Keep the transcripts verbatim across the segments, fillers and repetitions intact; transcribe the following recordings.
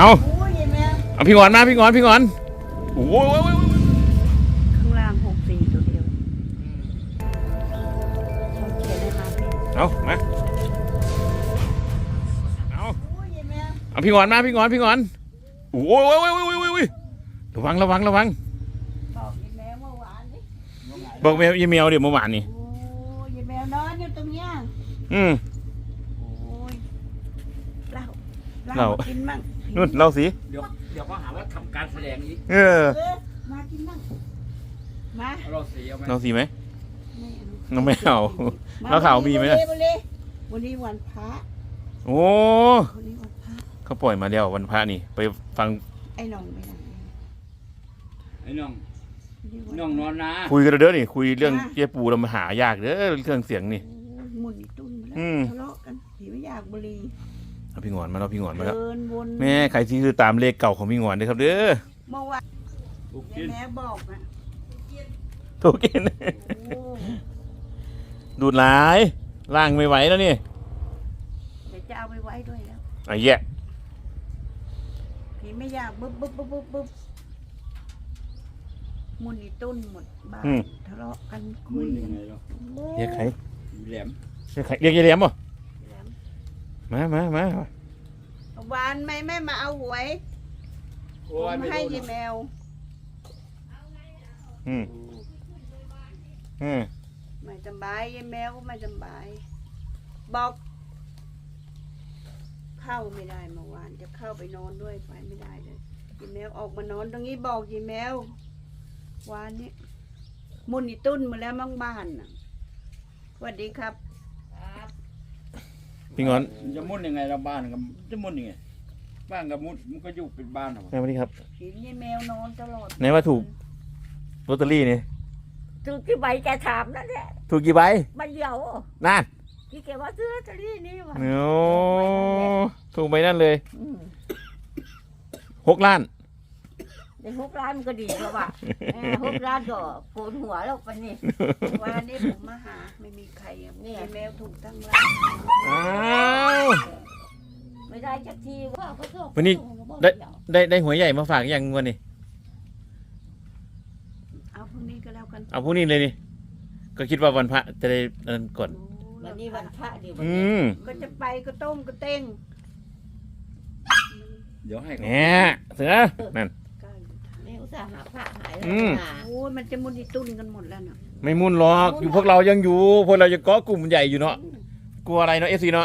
เอาเอาพี่งอนมาพี่งอนพี่งอนโอ้ยข้างล่างหกสี่ตัวเดียวเขียนได้มาพี่เอามาเอาเอาพี่งอนมาพี่งอนพี่งอนโอ้ยโอ้ยโอ้ยโอ้ยโอ้ยระวังระวังระวังบอกยายแมวเมื่อวานนี่บอกแมวยายแมวเดี๋ยวเมื่อวานนี่โอ้ยยายแมวนอนอยู่ตรงเนี้ยอืมโอ้ยเล่าเล่ากินมั่งนู่นเล่าสิเดี๋ยวเดี๋ยวก็หาว่าทำการแสดงอีกเออมากินมั่งมาเราสีเอาไหมเราสีไหมเราไม่เอาเราข่าวมีไหมล่ะวันนี้วันพระโอ้วันนี้วันพระเขาปล่อยมาแล้ววันพระนี่ไปฟังไอ้น้องไปไหนไอ้น้องน้องนอนนะคุยกันเด้อนี่คุยเรื่องเจ๊ปูเรามาหายากเด้อเครื่องเสียงนี่หมุนตุ้นมาแล้วทะเลาะกันผีไม่อยากบุรีเอาพี่งอนมาแล้วพี่งอนมาแล้วแม่ใครที่คือตามเลขเก่าของพี่งอนด้วยครับเด้อเมื่อวานแม่บอกนะถูกกินดูดหลายล่างไม่ไหวแล้วนี่เดี๋ยวจะเอาไปไว้ด้วยแล้วไอ้แย่ผีไม่อยากบึ๊บบึ๊บบึ๊บบึ๊บบึ๊บมุนอีตุ้นหมดบ้านทะเลาะกันคุยยังไงเนาะเรียกใครแหลมเรียกใครเรียกยายแหลมป่ะมามามาหวานไม่ไม่มาเอาหวยผมให้ยายแมวอืมอืมไม่สบายยายแมวก็ไม่สบายบอกเข้าไม่ได้เมื่อวานจะเข้าไปนอนด้วยไปไม่ได้เลยยายแมวออกมานอนตรงนี้บอกยายแมววานนี้มุนอีตุ้นมาแล้วมั่งบ้านน่ะสวัสดีครับพี่งอนจะมุ่นยังไงเราบ้านกับจะมุ่นยังไงบ้านกับมุ่นมันก็อยู่เป็นบ้านหรอสวัสดีครับเห็นยายแมวนอนตลอดไหนว่าถูกลอตเตอรี่นี่ถูกกี่ใบแกถามนั่นแหละถูกกี่ใบใบเดียวนั่นที่แกว่าซื้อลอตเตอรี่นี่วะโอ้ถูกใบนั่นเลยหกล้านในหกล้านมันก็ดีแล้วว่ะหกล้านก็โผล่หัวแล้วปะนี่วันนี้ผมมาหาไม่มีใครเนี่ยแมวถูกทั้งร้านอ้าวไม่ได้จักทีว่าเขาชอบวันนี้ได้ได้ได้หัวใหญ่มาฝากยังวันนี้เอาพรุ่งนี้ก็แล้วกันเอาพรุ่งนี้เลยนี่ก็คิดว่าวันพระจะได้นั่นก่อนวันนี้วันพระดีวันนี้ก็จะไปก็ต้มก็เต้งเดี๋ยวให้เนี่ยเสือนั่นหาพระหายโอ้ยมันจะมุนที่ตุ้นกันหมดแล้วเนาะไม่มุนหรอกอยู่พวกเรายังอยู่พวกเราจะก่อกลุ่มใหญ่อยู่เนาะกลัวอะไรเนาะเอฟซีเนาะ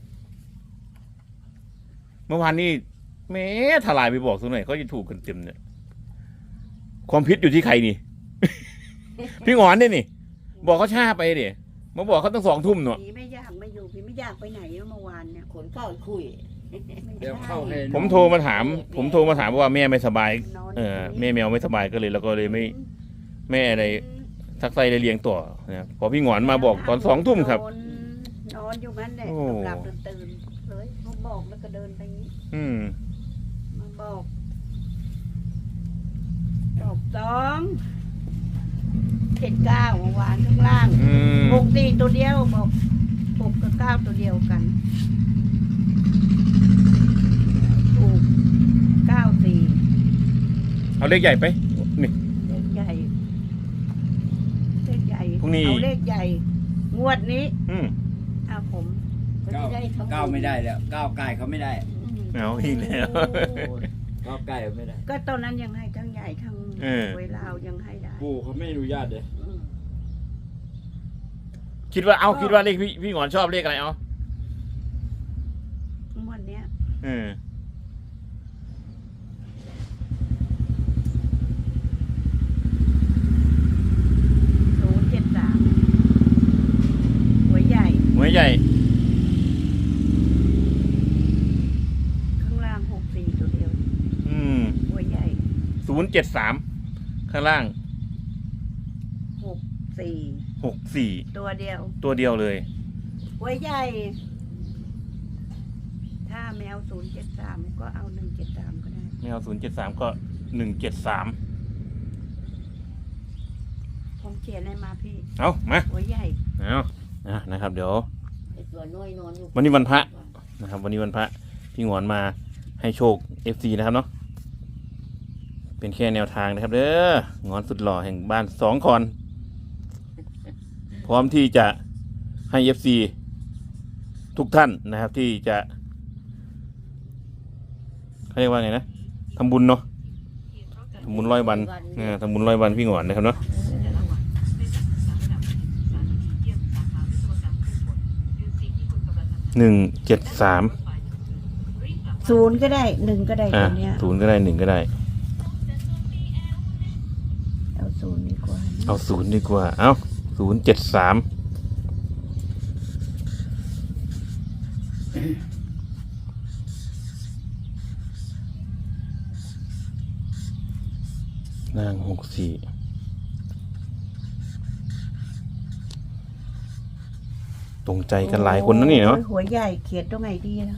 เมื่อวานนี้แม่ทลายไปบอกสักหน่อยเขาจะถูกกันเต็มเนี่ยความพิษอยู่ที่ใครนี่ พี่งอนเนี่ยนี่บอกเขาช้าไปดิมาบอกเขาตั้งสองทุ่มเนาะพี่ไม่อยากไม่อยู่พี่ไม่อยากไปไหนเมื่อวานเนี่ยขนเข้าคุยเดี๋ยวเข้าให้ผมโทรมาถามผมโทรมาถามว่าแม่ไม่สบายเออแม่แมวไม่สบายก็เลยแล้วก็เลยไม่แม่อะไรทักไซเลยเลี้ยงต่อนะพอพี่งอนมาบอกตอนสองทุ่มครับนอนอยู่งั้นแหละหลับตื่นเลยเขาบอกแล้วก็เดินไปงี้อืมมาบอกบอกสองเจ็ดเก้าเมื่อวานข้างล่างหกสี่ตัวเดียวบอกหกกับเก้าตัวเดียวกันถูกเก้าสี่เอาเลขใหญ่ไปนี่เลขใหญ่เลขใหญ่พรุ่งนี้เอาเลขใหญ่งวดนี้อืมเอาผมเก้าเก้าไม่ได้แล้วเก้าไก่เขาไม่ได้เอาอีกแล้วเก้าไก่ไม่ได้ก็ตอนนั้นยังให้ทั้งใหญ่ทั้งเวลายังให้ได้ปู่เขาไม่อนุญาตเลยคิดว่าเอาคิดว่าเลขพี่พี่หงอนชอบเลขอะไรเอาวันเนี้ยอืมศูนย์เจ็ดสามหัวใหญ่หัวใหญ่ข้างล่างหกสี่ตัวเดียวอืมหัวใหญ่ศูนย์เจ็ดสามข้างล่างหกสี่หกสี่ตัวเดียวตัวเดียวเลยหัวใหญ่ถ้าแมวศูนย์เจ็ดสามก็เอาหนึ่งเจ็ดสามก็ได้แมวศูนย์เจ็ดสามก็หนึ่งเจ็ดสามผมเขียนอะไรมาพี่เอามาหัวใหญ่เอาอ่ะนะครับเดี๋ยวตัวน้อยนอนอยู่วันนี้วันพระนะครับวันนี้วันพระพี่งอนมาให้โชค เอฟ ซี นะครับเนาะเป็นแค่แนวทางนะครับเด้องอนสุดหล่อแห่งบ้านสองคอนพร้อมที่จะให้ เอฟ ซี ทุกท่านนะครับที่จะเขาเรียกว่าไงนะทำบุญเนาะทำบุญร้อยวันเออทำบุญร้อยวันพี่หงอนนะครับเนาะหนึ่งเจ็ดสามศูนย์ก็ได้หนึ่งก็ได้อ่ะตัวเนี้ยศูนย์ก็ได้หนึ่งก็ได้เอาศูนย์ดีกว่าเอาศูนย์ดีกว่าเอาศูนย์เจ็ดสามนางหกสี่ตรงใจกันหลายคนนะนี่เนาะโอ้ยหัวใหญ่เขียนตรงไหนดีนะ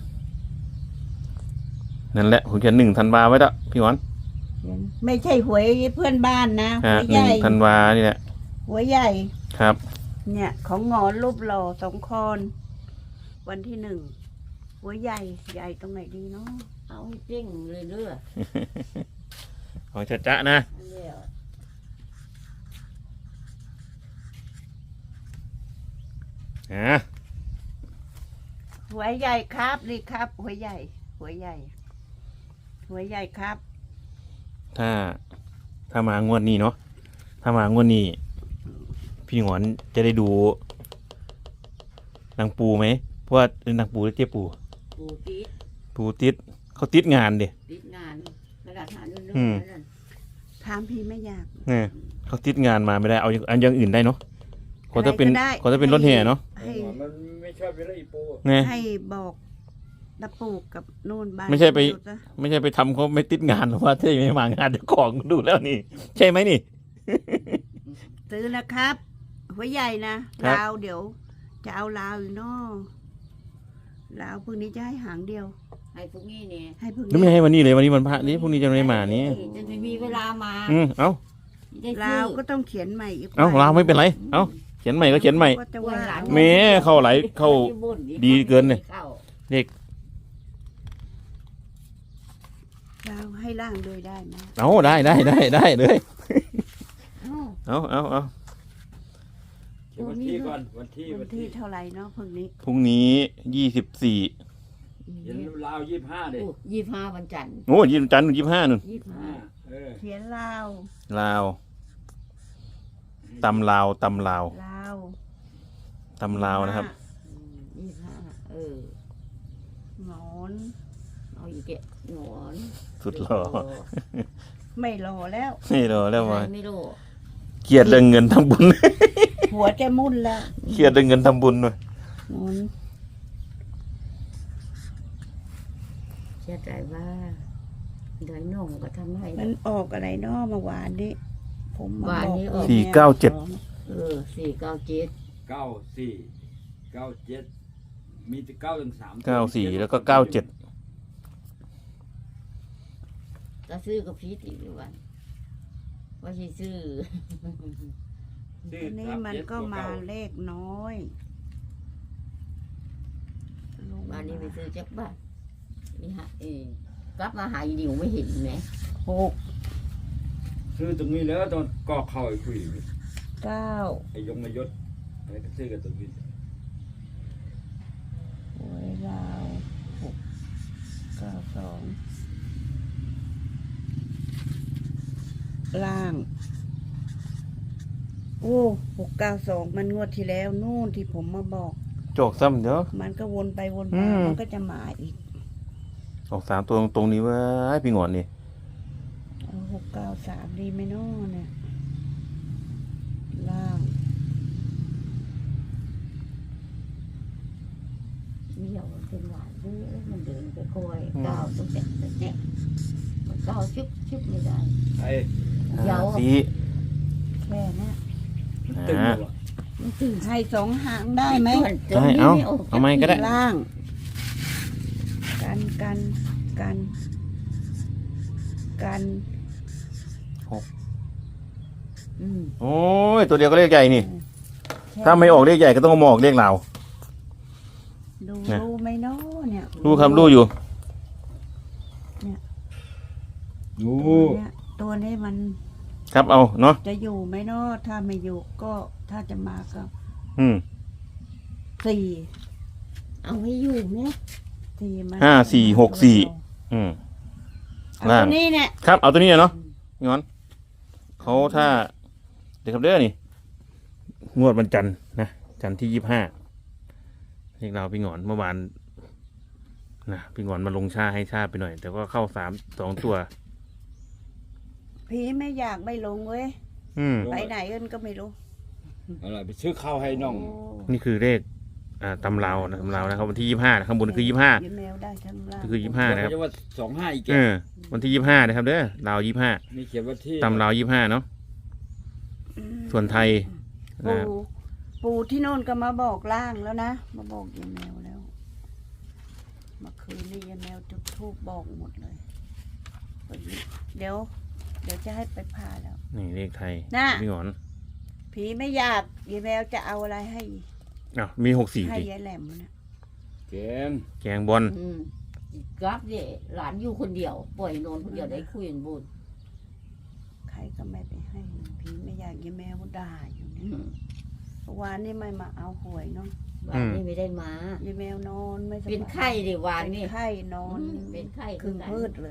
นั่นแหละผมเขียนหนึ่งธันวาไว้แล้วพี่หวานเขียนไม่ใช่หวยเพื่อนบ้านนะอ่าหัวหใหนึ่งญ่ธันวานี่แหละหัวใหญ่ครับเนี่ย ของหงอนรูปหล่อสองคอนวันที่หนึ่งหัวใหญ่ใหญ่ตรงไหนดีเนาะเอาให้เจ้งเลยเด้อของจะจะนะอันเดียวอ่าหัวใหญ่ครับนี่ครับ หัวใหญ่ หัวใหญ่ หัวใหญ่ครับถ้าถ้ามางวดนี้เนาะถ้ามางวดนี้พี่หงอนจะได้ดูนางปูไหมเพราะว่านางปูหรือเจ๊ปูปูติดปูติดเขาติดงานเด็ติดงานกระดาษหาเรื่องอืมนั่นถามพี่ไม่อยากเนี่ยเขาติดงานมาไม่ได้เอาอย่างอันอย่างอื่นได้เนาะเขาจะเป็นอะไรก็ได้เขาจะเป็นรถแห่เนาะให้มันไม่ชอบอยู่แล้วอีปูเนี่ยให้บอกตะปูกับนู่นบ้านไม่ใช่ไปดูซะไม่ใช่ไปทำเขาไม่ติดงานหรอกว่าถ้าไม่มางานเจ้าของดูแล้วนี่ ใช่ไหมนี่ซื้อนะครับ หัวใหญ่นะครับ ลาวเดี๋ยว จะเอาลาวอยู่เนอะลาวพรุ่งนี้จะให้หางเดียวให้พวกนี้เนี่ยให้พรุ่งแล้วไม่นี้ให้วันนี้เลยวันนี้วันพระนี่พรุ่งนี้จะไม่มานี่จะไม่มีเวลามาอืมเอ้าได้ลาวซื้อก็ต้องเขียนใหม่อีกเอ้าลาวไม่เป็นไรเอ้าเขียนใหม่ก็เขียนใหม่ก็จะว่าแม่เข้าไหลเข้า ดีเกินเลยข้าเด็กลาวให้ร่างโดยได้ไหมเอาได้ได้ได้ได้เลยเอ้าเอาเอาเอาเขียนวันที่ก่อนวันที่วัวัน นที่ที่เท่าไหร่เนาะพรุ่งนี้พรุ่งนี้ยี่สิบสี่เขียนลาวยี่สิบห้าเลยโอ้ยี่สิบห้าวันจันทร์โอ้ยี่สิบจันทร์ยี่สิบห้านู่นยี่สิบห้าเออเขียนลาวลาวตำลาวตำลาวลาวตำลาวนะครับอืมยี่สิบห้าเออหงอนเอาอีกแกะหนอนสุดหล่อไม่รอแล้วนี่รอแล้วมาไม่รู้เครียดเรื่องเงินทำบุญหัวจะมุ่นแล้วเครียดเรื่องเงินทำบุญหน่อยหงอนเชื่อใจว่าเดี๋ยวน้องก็ทำให้มันออกอะไรเนาะเมื่อวานนี้ผมมาวานบอกนี้ออกสี่เก้าเจ็ดเออสี่เก้าเจ็ดเก้าสี่เก้าเจ็ดมีแต่เก้าถึงสามเก้าสี่แล้วก็เก้าเจ็ดก็ซื้อกับพีทอีกวันว่าสิซื้อชื่ออันนี้มันก็มาเลขน้อยลงบ้านนี้ไปซื้อจักบ้านนี่ฮะเออกลับมาหาอีดิวไม่เห็นไหมหกซื้อตรงนี้แล้วตอนกอกเข้าไอ้คุยเก้าไอ้ยงนายศอะไรก็ซื้อกันตรงนี้หวยลาวหกเก้าสองล่าง โอ้หกเก้าสองมันงวดที่แล้วนู่นที่ผมมาบอกโจกซ้ำเดี๋ยวมันก็วนไปวนอืมาม มันก็จะมาอีกออกสามตัวตรงๆนี้เว่าพี่หงอนนี่เอาหกเก้าสามดีไหมเนาะเนี่ย ล่างเดี่ยวมันเป็นหวานด้วยมันเดินไปคอยก้าวต้องแตะแตะมันก้าวชุบชุบไม่ได้ไอ้เดี๋ยวสีแค่เนี้ยตึงอ่าหรอมันตื่นให้สองหางได้ไหมได้เอาเอาไหมก็ได้ล่าง กันกันกันกันอืมโอ้ยตัวเดียวก็เลขใหญ่นี่แค่ถ้าไม่ออกเลขใหญ่ก็ต้องเอามาออกเลขลาวดูนะรู้ไหมเนาะเนี่ยรู้ครับรู้อยู่อยู่ตัวเนี้ยตัวนี้มันครับเอาเนาะจะอยู่ไหมเนาะถ้าไม่อยู่ก็ถ้าจะมาก็อืมสี่เอาให้อยู่ไหมสี่มาห้าสี่หกสี่ อืมเอาล่างตัวนี้เนี่ยครับเอาตัวนี้เนาะงอนเขาถ้าเดี๋ยวครับเด้อนี่งวดวันจันทร์นะจันทร์ที่ยี่สิบห้าเรียกเราพี่หงอนเมื่อวานนะพี่หงอนมาลงชาให้ชาไปหน่อย แต่ก็เข้าสามสองตัวพี่ไม่อยากไม่ลงเว้ยอืมไปไหนเอิ้นก็ไม่รู้อะไรไปซื้อข้าวให้น้องโอ้นี่คือเลขอ่าตำราวนะตำราวนะครับวันที่ยี่สิบห้าข้างบนคือยี่สิบห้ายิ้มแมวได้ทั้งล่างคือยี่สิบห้านะครับจะว่าสองห้าอีกแกเออวันที่ยี่สิบห้านะครับเด้อลาวยี่สิบห้านี่เขียนว่าที่ตำราวยี่สิบห้าเนาะอืมส่วนไทยนะปู่ปู่ที่โน่นก็มาบอกล่างแล้วนะมาบอกยิ้มแมวแล้วเมื่อคืนนี้ยิ้มแมวจุดธูปบอกหมดเลยเดี๋ยว เดี๋ยวจะให้ไปผ่าแล้วนี่เลขไทยน่ะพี่หงอนผีไม่อยากยายแมวจะเอาอะไรให้อ้าวมีหกสี่ให้สิยายแหลมนะแกงแกงบอลอืมกราฟเนี่ยหลานอยู่คนเดียว ปล่อยนอนคนเดียวได้คุยกันบุญใครก็ไม่ไปให้ผีไม่อยากยายแมวด่าอยู่อืเนี่ยมเมื่อวานนี่ไม่มาเอาหวยเนาะวานนี่ไม่ได้มายายแมวนอนไม่สบายเป็นไข้ดิวานเป็นนี่ไข้นอนเป็นไข้ครึ่งพืชเลย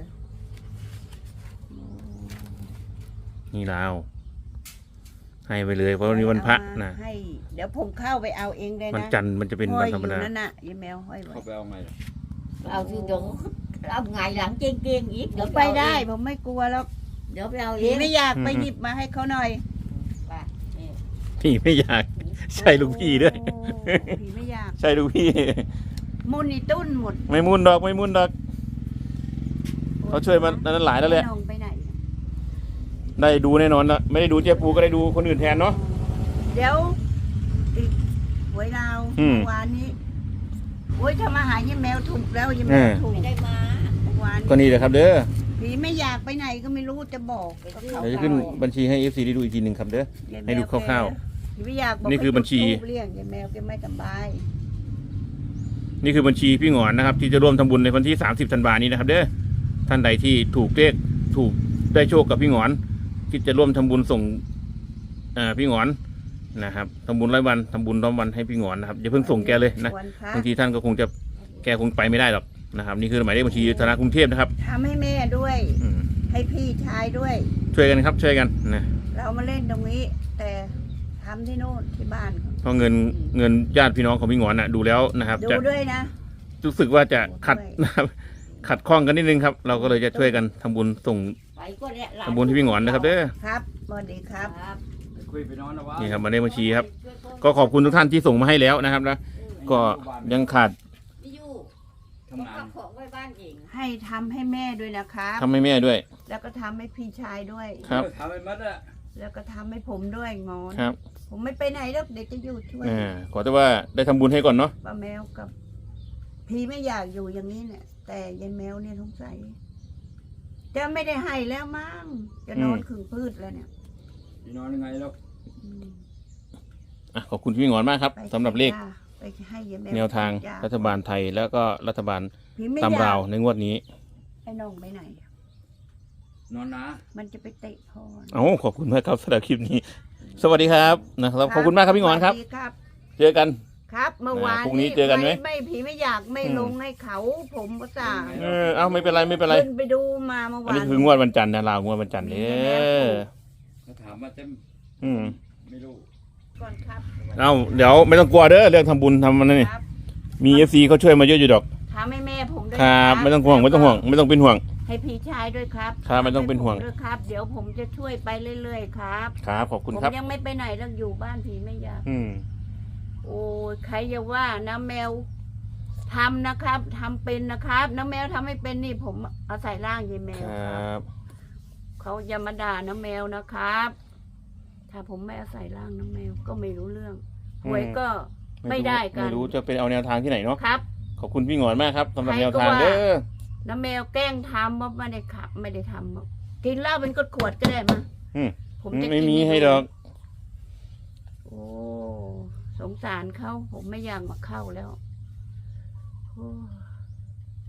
นี่ลาวให้ไปเลยเพราะวันนี้วันพระเอามานะให้ เดี๋ยวผมเข้าไปเอาเองได้วันนะจันทร์มันจะเป็นห้วัอน ยธอรรมยู่ดานั่นน่ะยายแมวห้อยไว้เข้าไปเอาไงล่ะเอาที่เดี๋ยวเอาไงหลังเก่งๆอีกผเดี๋ยวมไปไปได้ได้ผมไม่กลัวแล้วเดี๋ยวไปเอาเอผีงไม่อยากไปหยิบมาให้เขาหน่อยไปนี่พี่ไม่อยาก ใช่ลูกพี่ด้วยโอ้ผีไม่อยากใช่ลูกพี่มุนนี่ตุ้นหมดไม่มุนดอกไม่มุนดอก เขาช่วยมานั้นหลายแล้วแหละน้องไปไหนได้ดูแน่นอนละไม่ได้ดูเจ๊ปูก็ได้ดูคนอื่นแทนเนาะเดี๋ยวอีกหวยลาวอืมเมื่อวานนี้โอ้ยทำอาหารยี่แมวถูกแล้วยี่แมวเออถูกไม่ได้มาเมื่อวานก็นี่แหละครับเด้อผีไม่อยากไปไหนก็ไม่รู้จะบอกก็เขาเดี๋ยวจะขึ้นบัญชีให้ เอฟ ซี ได้ดูอีกทีหนึ่งครับเด้อยายแมวให้ดูคร่าวๆผีไม่อยากบอกนี่คือบัญชีให้จุดธูปเรียกยายแมวแกไม่สบายนี่คือบัญชีพี่หงอนนะครับ ที่จะร่วมทำบุญในวันที่สามสิบธันวานี้นะครับ เด้อท่านใดที่ถูกเลขถูกได้โชคกับพี่หงอนคิดจะร่วมทำบุญส่งอ่าพี่หงอนนะครับทำบุญร้อยวันทำบุญร้อยวันให้พี่หงอนนะครับอย่าเพิ่งส่งแกเลยนะวันพระบางทีท่านก็คงจะแกคงไปไม่ได้หรอกนะครับ นี่คือหมายเลขบัญชีธนาคารกรุงเทพนะครับทำให้แม่ด้วยอืมให้พี่ชายด้วยช่วยกันครับ ช่วยกันนะเรามาเล่นตรงนี้ แต่ทำที่โน่นที่บ้านเขาเพราะเงินเงินญาติพี่น้องของพี่หงอนน่ะดูแล้วนะครับดูจะด้วยนะรู้สึกว่าจะขัดด้วยนะครับขัดข้องกันนิดนึงครับ เราก็เลยจะช่วยกันทำบุญส่งไปก็เนี่ยหลานทำบุญให้พี่หงอนนะครับเด้อครับสวัสดีครับครับไปคุยไปนอนนะวะนี่ครับหมายเลขบัญชีครับ ก็ขอบคุณทุกท่านที่ส่งมาให้แล้วนะครับนะก็ยังขาดไม่อยู่ทำงานเอาของไว้บ้านเองให้ทำให้แม่ด้วยนะครับทำให้แม่ด้วยแล้วก็ทำให้พี่ชายด้วยครับเออทำไปมัดอะแล้วก็ทำให้ผมด้วยงอนครับผมไม่ไปไหนหรอกเดี๋ยวจะอยู่ช่วยอ่าขอแต่ว่าได้ทำบุญให้ก่อนเนาะป้าแมวกับ พี่ไม่อยากอยู่อย่างนี้เนี่ย แต่ยายแมวเนี่ยสงสัยจะไม่ได้ให้แล้วมั้งจะนอนขึงพืชแล้วเนี่ยพี่นอนยังไงแล้วอืมอ่ะขอบคุณพี่หงอนมากครับไปสำหรับเลขจ้าไปให้ยายแมวแนวทางจ้รัฐบาลไทยแล้วก็รัฐบาลพี่ไม่ตามอยากราวในงวดนี้ไอ้น้องไปไหนนอนนะมันจะไปเตะพ่อเอ้าขอบคุณมากครับสำหรับคลิปนี้ สวัสดีครับนะครับขอบคุณมากครับพี่หงอนครับสวัสดีครับเจอกันครับ เมื่อวานพรุ่งนี้เจอกันไหมไม่ผีไม่อยากไม่อืมลงให้เขา ผมก็สั่งเออเอ้าไม่เป็นไรไม่เป็นไรขึ้นไปดูมาเมื่ออันวานนี้คืองวดวันจันทร์นะลาวงวดวันจันทร์เด้อเขาถามมาเต็มอืมไม่รู้ก่อนครับเอ้าเดี๋ยวไม่ต้องกลัวเด้อเรื่องทำบุญทำมันนี่ครับมีเอฟซีเขาช่วยมาเยอะอยู่ดอกทำให้แม่ผมด้วยครับ ไม่ต้องห่วงไม่ต้องห่วง ไม่ต้องเป็นห่วงให้พี่ชายด้วยครับครับไม่ต้องเป็นห่วงให้ผมด้วยครับ เดี๋ยวผมจะช่วยไปเรื่อยๆครับครับขอบคุณผมครับยังไม่ไปไหนแล้วอยู่บ้านผีไม่อยากอืมโอ้ยใครจะว่านะแมวทำนะครับทำเป็นนะครับน้าแมวทำไม่เป็นนี่ผมเอาใส่ร่างยายแมคว รครับับเขาอย่ามาด่าน้าแมวนะครับ ถ้าผมไม่เอาใส่ร่างน้าแมวก็ไม่รู้เรื่องหวยก็ ไม่ได้กันไม่รู้จะเป็นเอาแนวทางที่ไหนเนาะครับขอบคุณพี่หงอนมากครับสำหรับใครแนวก็ทางว่าเด้อน้าแมวแกล้งทำว่าไม่ได้ขับ ไม่ได้ทำกินเหล้าเป็นขวดๆก็ได้มาอืมผมจะไม่กินมีให้ดอกโอ้สงสารเขาผมไม่อยากมาเข้าแล้วโอ้ก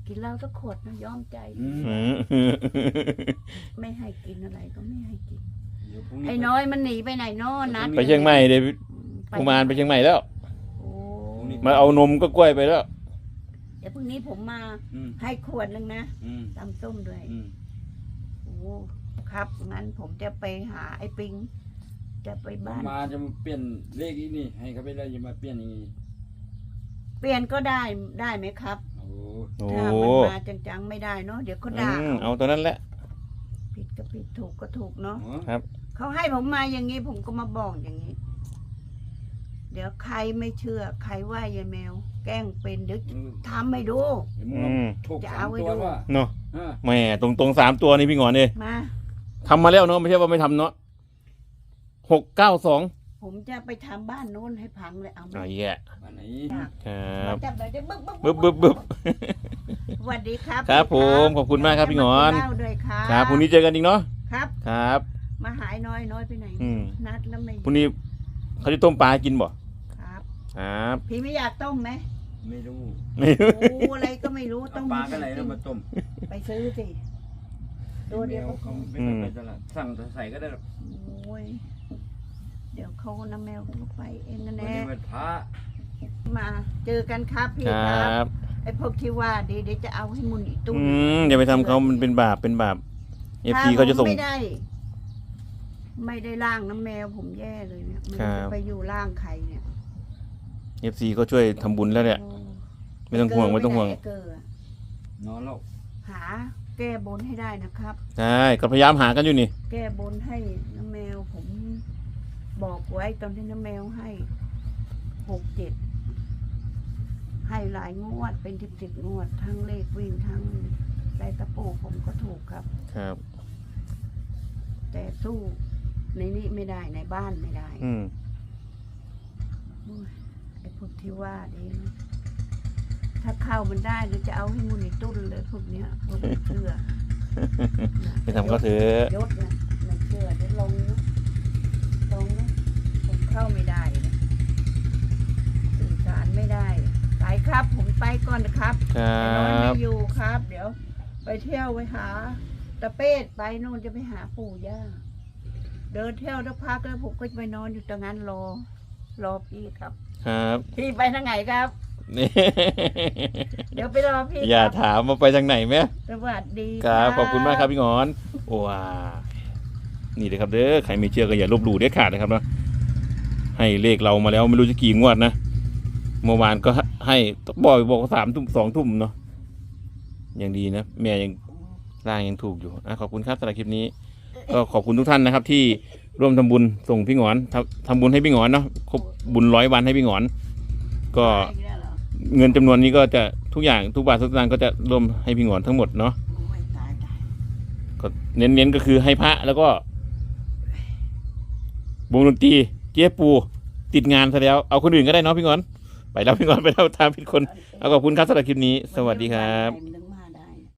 กินเหล้าสักขวดนะยอมใจอืมอืมไม่ให้กินอะไรก็ไม่ให้กินเดี๋ยวพรุ่งไอ้น้อยมันหนีไปไหนนอนัดไปเชียงใหม่เดี๋ยวไปกุมารไปเชียงใหม่แล้วโอ้มาเอานมก็กล้วยไปแล้วเดี๋ยวพรุ่งนี้ผมมาอืมให้ขวดหนึงนะอืมตำส้มด้วยอืมโอ้ครับงั้นผมจะไปหาไอ้ปิง จะไปบ้านมาจะมาเปลี่ยนเลขอีกนี่ให้เขาไปเลยจะมาเปลี่ยนอย่างนี้เปลี่ยนก็ได้ได้ไหมครับโอ้โอ้ถ้ามันมาจังๆไม่ได้เนาะเดี๋ยวเขาด่าอืมเอาตัวนั้นแหละผิดก็ผิดถูกก็ถูกเนาะอ๋อเขาให้ผมมาอย่างนี้ผมก็มาบอกอย่างนี้ เดี๋ยวใครไม่เชื่อ ใครว่ายายแมว แกล้งเป็นเดี๋ยวทำให้ดูเดี๋ยวมึงเอาอืมถูกจะสาเอามไว้ตัวดูว่าเนาะอ่าแหม่ตรงตรงๆสามตัวนี่พี่หงอนเลยมาทำมาแล้วเนาะไม่ใช่ว่าไม่ทำเนาะหกเก้าสองผมจะไปทำบ้านโน้นให้พังเลยเอาไหมอ๋อแย่อันไหนครับจับเลยจะบึ๊บบึ๊บบึ๊บบึ๊บสวัสดีครับครับผมขอบคุณมากครับพี่หงอนจะมากิเหล้าด้วยครับครับพรุ่งนี้เจอกันอีกเนาะครับครับมาหายน้อยน้อยไปไหนอืมนัดแล้วไม่พรุ่งนี้เขาจะต้มปลาให้กินบ่ครับครับพี่ไม่อยากต้มไหมไม่รู้ไม่โอ้อะไรก็ไม่รู้เอาต้มปลากันไหนแล้วมาต้มไปซื้อสิตัวเดียวก็เขาไม่ต้องไปตลาดสั่งแต่ใส่ก็ได้หรอกโอ้ยเดี๋ยวเขาน้ำแมวก็ไปเองนะวันแน่นี้วันพระมาเจอกันครับพี่คครัรับบ ไอ้พวกที่ว่าดีเดี๋ยวจะเอาให้มุนอีตุ้อืมอย่าไปทำเขามันเป็นบาปเป็นบาปเอฟซีเขาจะส่งไม่ได้ ไม่ได้ล่างน้ำแมวผมแย่เลยเนี่ยมันครัจะบไปอยู่ล่างใครเนี่ยเอฟซีก็ช่วยทำบุญแล้วเนี่ยโอ้ไม่ต้องห่วงไม่ต้องห่วงไเกอร์อะนอนแล้วหา แก้บนให้ได้นะครับใช่ก็พยายามหากันอยู่นี่แก้บนให้น้ำแมวผมบอกไว้ตอนที่น้ำแมวให้หกเจ็ดให้หลายงวดเป็นสิบสิบงวด ทั้งเลขวิ่งทั้งได้ตะปูผมก็ถูกครับครับแต่สู้ในนี้ไม่ได้ในบ้านไม่ได้อืมโอ้ยไอ้พวกที่ว่าดีนะถ้าเข้ามันได้หรือจะเอาให้มุนในตุ้นเลยพวกเนี้ยพวกไม่เชื่อไปทำเขาเถอะยศนะไม่เชื่อเดี๋ยวลงนะลงนะผมเข้าไม่ได้นะสื่อสารไม่ได้ไปครับ ผมไปก่อนนะครับครัไอ้น้อยไม่บอยู่ครับ เดี๋ยว ไปเที่ยวไปหาตะเป้ดไปนู่นจะไปหาปู่ย่าเดินเที่ยวสักพักแล้วผมก็จะไปนอนอยู่ตรงนั้นรอ รอพี่ครับครับพี่ไปทางไหนครับนี่เดี๋ยวไปรอพี่อย่าครับถามมาไปทางไหนไหมสวัสดีครับขอบคุณมากครับพี่หงอนว้านี่เลยครับเด้อใครไม่เชื่อก็อย่าลบหลู่เด็ดขาดนะครับเนาะให้เลขเรามาแล้วไม่รู้จะกี่งวดนะเมื่อวานก็ให้บอกบอกว่าสามทุ่มสองทุ่มเนาะยังดีนะแม่ยังร่างยังถูกอยู่อ่ะขอบคุณครับสำหรับคลิปนี้ ก็ขอบคุณทุกท่านนะครับ ที่ร่วมทำบุญส่งพี่หงอนทำทำบุญให้พี่หงอนเนาะครบบุญร้อยวันให้พี่หงอน ก็ไปอีกแล้วเหรอเงินจำนวนนี้ก็จะทุกอย่างทุกบาททุกสตางค์ก็จะรวมให้พี่หงอนทั้งหมดเนาะโอ้ยตายตายก็เน้นๆก็คือให้พระแล้วก็วงดนตรีเจ๊ปูติดงานซะแล้วเอาคนอื่นก็ได้เนาะพี่หงอนไปแล้วพี่หงอนไปแล้วตามผิดคนเอาขอบคุณครับสำหรับคลิปนี้ สวัสดีครับมันถึงมา